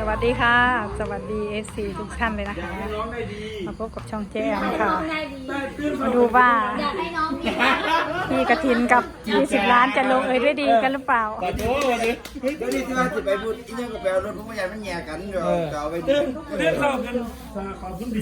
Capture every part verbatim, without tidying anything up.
วัสดีค่ะสวัสดี เอฟ ซี ทุกท่านเลยนะคะมาพบกับช่องแจ้มค่ะมาดูว่าพี่กระถินกับยี่สิบล้านจะลงเอยด้วยดีกันหรือเปล่าขอโทษดิเดี๋ยวนี้ที่ว่าจะไปพูดอีกอย่างกับแปลรถผมไม่อยากมันแย่กันเดี๋ยวจะเอาไปดูเรื่องเข้ากันสาขอบคุณดี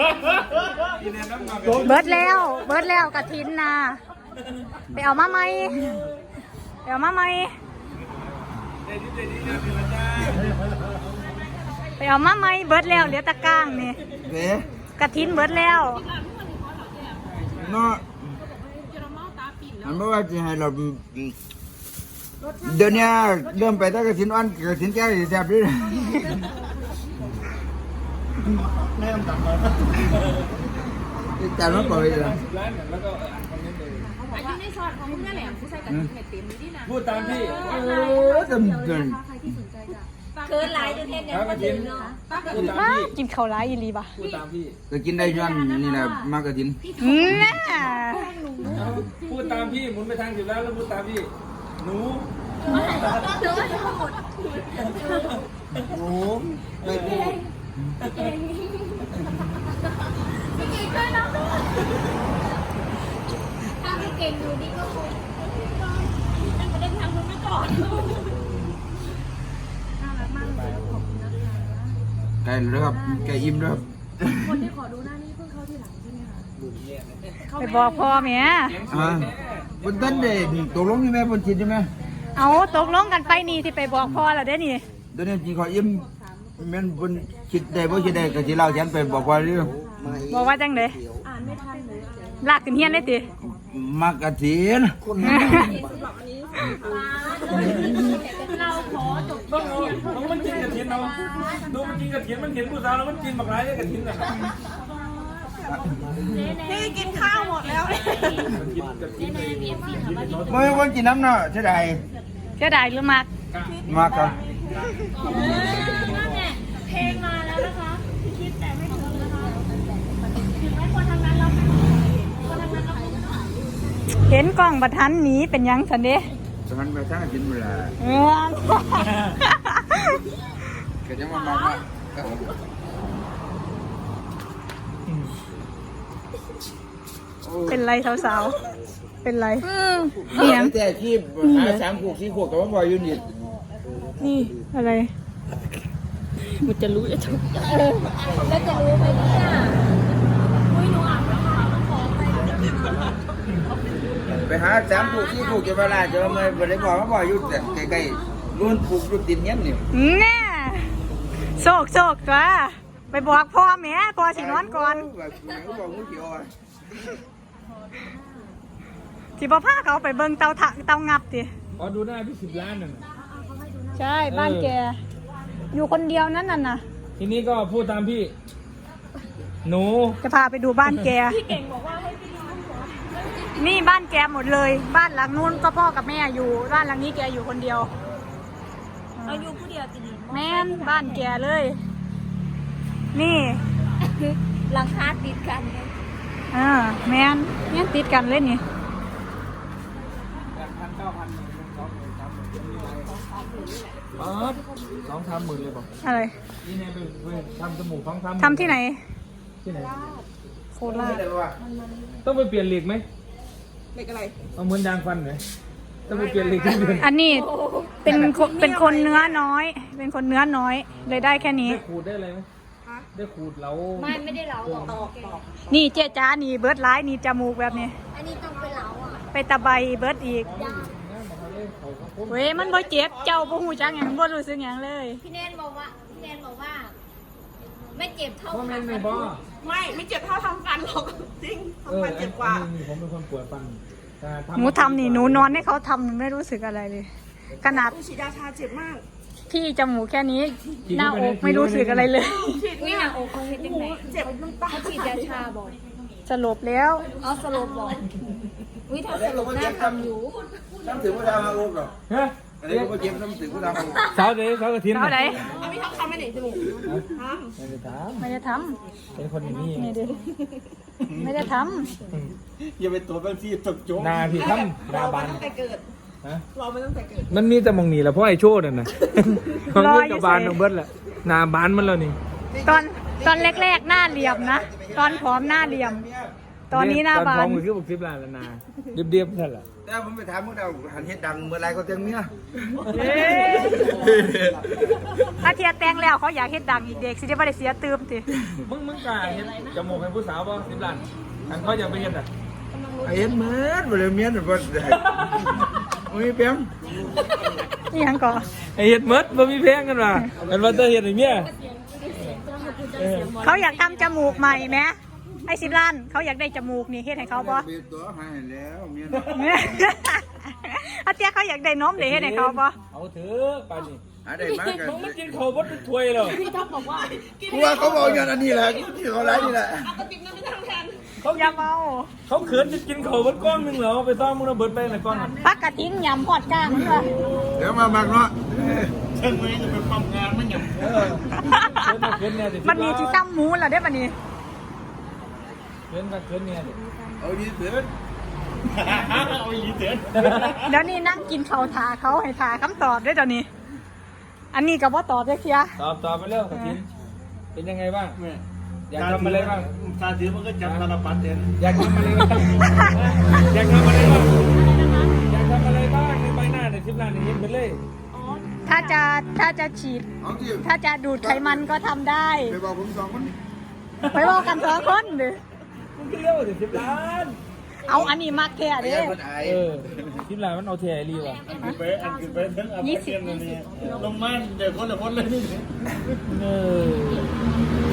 เบิร์ดแล้วเบิร์ดแล้วกระถินนะไปเอามาไหมไปเอามาไหมไปเอามาไหมเบิร์ดแล้วเหลือตะก้างนี่กระถินเบิร์ดแล้วเนาะมันไม่ว่าจะให้เราเดี๋ยวนี้เริ่มไปตั้งกระถินอ่อนกระถินแก่แซ่บด้วยแม่ต่างมาจานมันปล่อยเลยอายุในช็อตของคุณนั่นแหละผู้ชายกับเม็ดเต็มนี่นะพูดตามพี่เออจำจนเกินหลายจนเทนยังมาถึงเนาะพูดตามพี่กินข้าวร้ายอีลีบ่ะพูดตามพี่ก็กินได้ย้อนนี่แหละมากกระถินน่าพูดตามพี่หมุนไปทางสิบล้านแล้วพูดตามพี่หนูหนูไม่พูดถ้าไม่เก่งดูดีก็คงตั้งแต่เดินทางคุณไม่ก่อนน่ารักมากเลยขอบคุณนะคะไก่เลยครับไก่อิ่มเลยครับคนที่ขอดูหน้านี่เพิ่งเข้าที่หลังใช่ไหมคะไปบอกพ่อแม่อ่าบนต้นเด่นตกลงใช่ไหมบนชิดใช่ไหมเอาตกลงกันไปนี่ที่ไปบอกพ่อแล้วเด้นี่เดี๋ยวนี้จีขออิ่มแม่นบนชิดได้บ่ชิดได้ก็สิเล่าฉันไปบอกว่าเรื่องบอกว่าจังได๋อ่านไม่ทันเลยลากขึ้นเฮียนเลยติมากระถินเราขอจบต้องเอามันกินกระเทียมเราดูมันกินกระเทียมมันเห็นผู้สาวแล้วมันกินแบบไรเนี่ยกระเทียมน่ะนี่กินข้าวหมดแล้วไม่วันกินน้ำเนาะเท่าไหร่เสียดายหรือมักมากครับเพลงมาแล้วนะคะคิดแต่ไม่ถึงนะคะถึงไม่ควรทำงานเราควรทำงานเราเห็นกล้องบัทันหนีเป็นยังสันเด้สมันไปทั้งกินเวลาเออก็จะมาบอกว่าเป็นไรสาวๆเป็นไรนี่ยังแต่ที่หาสามขวดสี่ขวดกับว่าบอยยูนิตนี่อะไรมันจะรู้จะถูกแล้วจะรู้ไหมเนี่ยอุ้ยหนูอ่านไม่ทันขอไปไปหาสามขวดสี่ขวดจะเวลาจะมาบริบอกว่าบอยยูแต่ใกล้ๆล้วนปลูกรูปดินเงี้ยนี่แน่โศกโศกตัวไปบอกพ่อแม่พ่อสินอนก่อนสิบ่พาเขาไปเบิ่งเตาถักเตางับติอ๋อดูหน้าพี่สิบล้านน่ะใช่บ้านแกอยู่คนเดียวนั่นน่ะนะทีนี้ก็พูดตามพี่หนูจะพาไปดูบ้านแกพี่เก่งบอกว่าให้พี่ดูนี่บ้านแกหมดเลยบ้านหลังนู้นก็พ่อกับแม่อยู่บ้านหลังนี้แกอยู่คนเดียวเอาอยู่ผู้เดียวจริงแม่นบ้านแกเลยนี่หลังคาติดกันอ่าแม่นแม่นติดกันเลยนี่อ๋อสองสามหมื่นเลยบอกอะไรนี่ไงไปทำจมูกท้องทำทำที่ไหนที่ไหนโคราชต้องไปเปลี่ยนเหล็กไหมเหล็กอะไรเอาเหมือนยางฟันไหมต้องไปเปลี่ยนเหล็กที่เดือนอันนี้เป็นเป็นคนเนื้อน้อยเป็นคนเนื้อน้อยเลยได้แค่นี้ได้ขูดได้อะไรไหมได้ขูดเราไม่ไม่ได้เหลาหรอกนี่เจ๊จ้านี่เบิร์ดไลท์นี่จมูกแบบนี้อันนี้ต้องไปเหลาอ่ะไปตะไบเบิร์ดอีกเว้ยมันบ่เจ็บเจ้าบ่หูจักอย่างบ่รู้สึกอย่างเลยพี่แนนบอกว่าพี่แนนบอกว่าไม่เจ็บเท่าฟันไม่บ้าไม่ไม่เจ็บเท่าทำฟันหรอกจริงทำฟันเจ็บกว่าผมเป็นคนปวดฟันหนูทำนี่หนูนอนให้เขาทำไม่รู้สึกอะไรเลยขนาดฉีดยาชาเจ็บมากพี่จมูกแค่นี้หน้าอกไม่รู้สึกอะไรเลยนี่หน้าอกเขาเห็นยังไงเจ็บน้ำตาฉีดยาชาบอกสลบแล้วอ๋อสลบบอกวิธีสลบหน้าทำอยู่น้ำถึงผู้ทำมาอุ้มหรอฮะอะไรก็เจ็บน้ำถึงผู้ทำสาวเด็กสาวกระถิ่นสาวไหนไม่ทำทำไม่ไหนจมูกทำไม่ได้ทำไม่ได้ทำเป็นคนอย่างนี้ไม่ได้ทำอย่าไปตัวบางทีตกโจ๊กนาพี่ทำนาบานแต่เกิดฮะรอมาตั้งแต่เกิดมันมีแต่มองหนีแหละเพราะไอ้โชดน่ะนะมันเกิดกับบานน้องเบิร์ดแหละหน้าบานมันแล้วนี่ตอนตอนแรกๆหน้าเหลี่ยมนะตอนผอมหน้าเหลี่ยม ตอนนี้หน้าบาตอน นท้องมือคือบอกสิบล้านแล้วนาเรียบๆนั่นแหละแต่ผมไปถามพวกเราหันเฮ็ดดังเมื่อไรก็เตียงเมียเอ้ยถ้าเทียแตงแล้วเขาอยากเฮ็ดดังอีกเด็กสิจะไม่ได้เสียตืมสิมึงมึงกล้าเห็นจมูกให้ผู้สาวป่ะสิบล้านอันเขาอยากไปเห็นอ่ะไอ้เฮ็ดเหมือนบ่ได้เมียนบ่ได้บ่มีเปียงนี่ยังก่อไอเห็ดมดบ่มีแพงกันว่ะอันว่าจะเห็ดไอ้เมียเขาอยากทำจมูกใหม่ไหมไอ้สิบล้านเขาอยากได้จมูกนี่เฮ็ดให้เขาปะเบียดตัวให้แล้วเมียอาเตี้ยเขาอยากได้นมเดี๋ยวเฮ็ดให้เขาปะเอาเถอะป่านนี้หาได้มากกันมึงไม่กินข้าวบดทุกถ้วยหรอกกูว่าเขาบอกอย่างอันนี้แหละกูที่เขาไล่นี่แหละเขาอย่าเมาเขาเขินจะกินข้าวบดก้อนหนึงเหรอไปซ่อมมึงระเบิดไปไหนก้อนอ่ะปักกระทิ้งยำหอดกลางนี่ว่ะเดี๋ยวมามักเนาะเชิงมือจะเป็นปั๊มงานมันหยั่เออเขินเขินเนี่ยดิมันมีที่ซ้ำหมูแล้วได้ปะนี่เขินกับเขินเนี่ยดิเอาดีเถิดเอาอีเถิดเดี๋ยวนี้นั่งกินข้าวทาเขาให้ทาคำตอบด้วยเดี๋ยวนี้ อันนี้กับว่าตอบได้เสียตอบตอบไปเร็วกระถินเป็นยังไงบ้างอยากทำอะไรบ้างตาถือมันก็จับตาลปัดเด่นอยากทำอะไรบ้างอยากทำอะไรบ้างอยากทำอะไรบ้างในใบหน้าในสิบล้านในเห็นไปเลยถ้าจะถ้าจะฉีดเอาที่ถ้าจะดูดไขมันก็ทำได้ไปบอกผมสองคนไปบอกกันสองคนเด้อมึงก็เลี้ยวถึงสิบล้านเอาอันนี้มักแค่ไอ้เด้ยันคนไอ้เออสิบล้านมันเอาเทียรีว่ะคือไปอันคือไปทั้งอันเทียนนี่ลงมาเดี๋ยวคนละคนเลยนี่เออ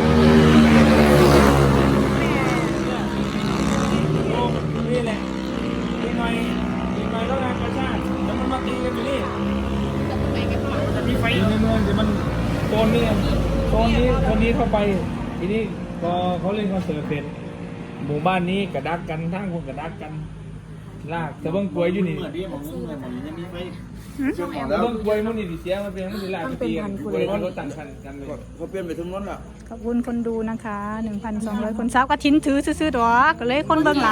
นี่แหละปีใหม่ปีใหม่แล้วงานกระชาติแล้วมันมาตีกันอยู่นี่จะมีไฟในเมืองแต่มันโซนนี้โซนนี้โซนนี้เข้าไปทีนี้พอเขาเล่นคอนเสิร์ตเสร็จหมู่บ้านนี้กระดักกันทั้งคนกระดักกันลากแต่เบิ้งกลวยอยู่นี่เมื่อดีผมเมื่อผมยังมีไฟเชื่อหมอแต่แล้วเบิ้งกลวยมันนี่ดิเสียมันเป็นมันสิลากไปตีกันกลวยมันรถต่างคันกันเลยเขาเปลี่ยนไปทั้งนั้นล่ะขอบคุณคนดูนะคะ หนึ่งพันสองร้อย คนสาวก็ทิ้นถือซื้อๆดอกก็เลยคนเบิ่งหลาย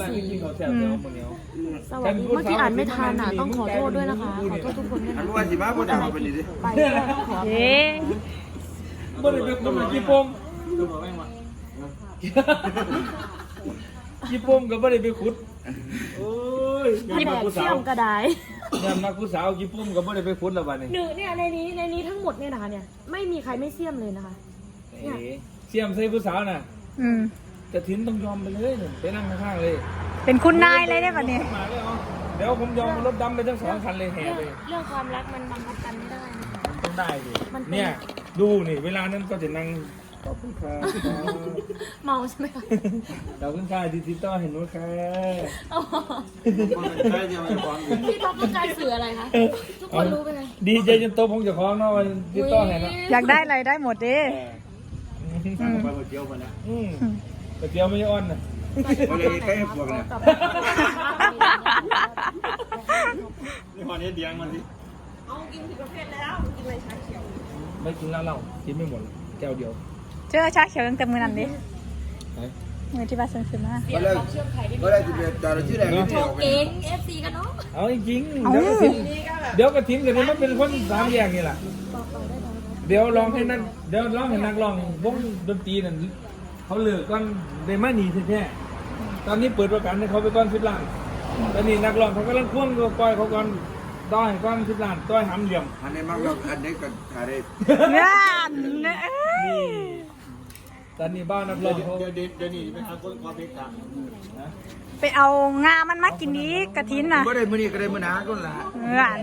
สวัสดีเมื่อกี้อ่านไม่ทันอ่ะต้องขอโทษด้วยนะคะ ขอโทษทุกคนด้วยอันะนว่าสิมาบ่ได้เอาไปนี่ดิไปก็ต้องขอเย้บ่ได้เป็นคนกี่ปมกี่ปมก็บ่ได้ไปขุดโอ้ยมีแบบเชื่อมกระไดเนี่ยมักผู้สาวกี่ปมก็บ่ได้ไปขุดแล้วบัดนี้หนึ่งเนี่ยในนี้ในนี้ทั้งหมดเนี่ยนะคะเนี่ยไม่มีใครไม่เสี่ยมเลยนะคะเอ๋เสียมใส่ผู้สาวน่ะอืมจะทิ้นต้องยอมไปเลยไปนั่งข้างๆเลยเป็นคุณนายเลยได้ปะเนี่ยมาเลยเอาเดี๋ยวผมยอมรถดำไปทั้งสองคันเลยแห่เรื่องเลยเรื่องความรักมันบังคับกันไม่ได้นะคะต้องได้ดิมันเป็นเนี่ยดูนี่เวลานั้นก็จะนั่งขอบคุณครับเมาใช่ไหมคะขอบคุณค่ะที่ติดต่อเห็นหนูค่ะอ๋อใช่ยังไม่พร้อมพี่ท็อปต้องการสื่ออะไรคะทุกคนรู้ไปเลยดีใจจนโตผมจะคล้องเนาะวันติดต่อเห็นเนาะอยากได้อะไรได้หมดเด้สั่งไปหมดเดียวมาแล้วอืมก๋วยเตี๋ยวไม่อ้อนนะบ่ได้ใครให้พวกน่ะนี่หอนี้เดียงมันสิไม่กินเหล้าเหล้ากินไม่หมดแก้วเดียวเจอชาเขียวตั้งแต่มือนั้นดิไหนมือที่บ้านเซิงขึ้นมาบ่ได้บ่ได้สิไปจอดชื่อแดงนี่โชว์เก่ง เอฟซีกันเนาะเอาจริงๆเดี๋ยวกระถิ่นเดี๋ยวกระถิ่นกันนี่มันเป็นคนสามแยกนี่แหละเดี๋ยวลองให้นักเดี๋ยวลองให้นักร้องวงดนตรีนั่นเขาเลิกก่อนได้มาหนีแท้ๆตอนนี้เปิดประกันให้เขาไปก่อนสิบล้านตอนนี้นักร้องเขากำลังพ่วงตัวก้อยเขาก่อนต้อยก่อนสิบล้านต้อยหำเหลี่ยมอันนี้มักแล้วอันนี้ก็ถ่ายได้งานเอ้ยนี่ตอนนี้บ้านนักร้องเขาเดี๋ยวเดี๋ยวนี้ไปหาคนความเมตตานะไปเอางามันมากินนี้กระถินน่ะบ่ได้มื้อนี้ก็ได้มื้อหน้าก็ล่ะงาน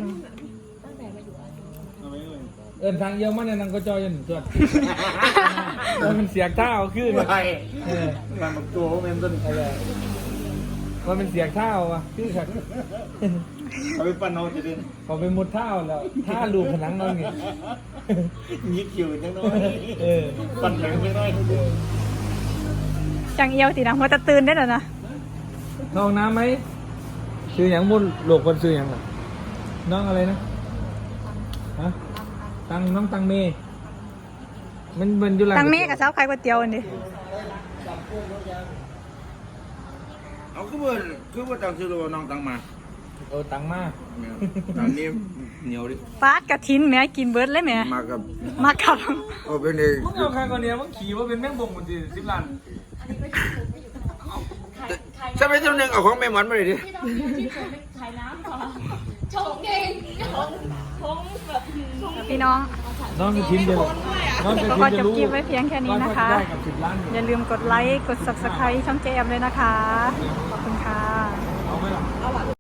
เอินทางเยอะมันเนี่ยนังก็จอยยันจวดมันเสียงเท้าขึ้นไปเออมันบอกตัวเขาแม่นต้นอะไรมันเป็นเสียงเท้าวะคือขัดเอาไปปั้นเอาจะเด่นเขาไปมุดเท้าแล้วท่าลูกผนังนั่นไงยิกคิวจังน้อยเออปั้นแข็งไปหน่อยจังเอียวตีนะหัวตะตื่นได้แล้วนะน้องน้ำไหมซื้ออย่างมุดโลกคนซื้ออย่างอ่ะน้องอะไรนะฮะตังน้องตังเมย์มันมันอยู่หลังตังเมฆกับสาวขายก๋วยเตี๋ยวอันนี้เอาคือบ่คือบ่ต้องซื้อตัวน้องตังมาเออตังมากตอนนี้เหนียวดิปาดกระถินแม่กินเบิร์ดเลยแม่มากับมากับโอ้เป็นเองมึงเอาใครคนเนี้ยมึงขี่ว่าเป็นแม่งบงมันจีสิบล้านใช่ไหมเจ้าหนึ่งเอาของแม่หมอนมาเลยดิที่ต้องที่ผมเป็นขายน้ำก่อนชงเองชงชงแบบพี่น้องน้องจะทิ้งเดียวน้องจะก็ทิ้งจจะบรู้คลิปไว้เพียงแค่นี้นะคะได้กับสิบล้านอย่าลืมกดไลค์ กด ซับสไครบ์ ช่องเจแอมเลยนะคะ ขอบคุณค่ะเอาไหมล่ะ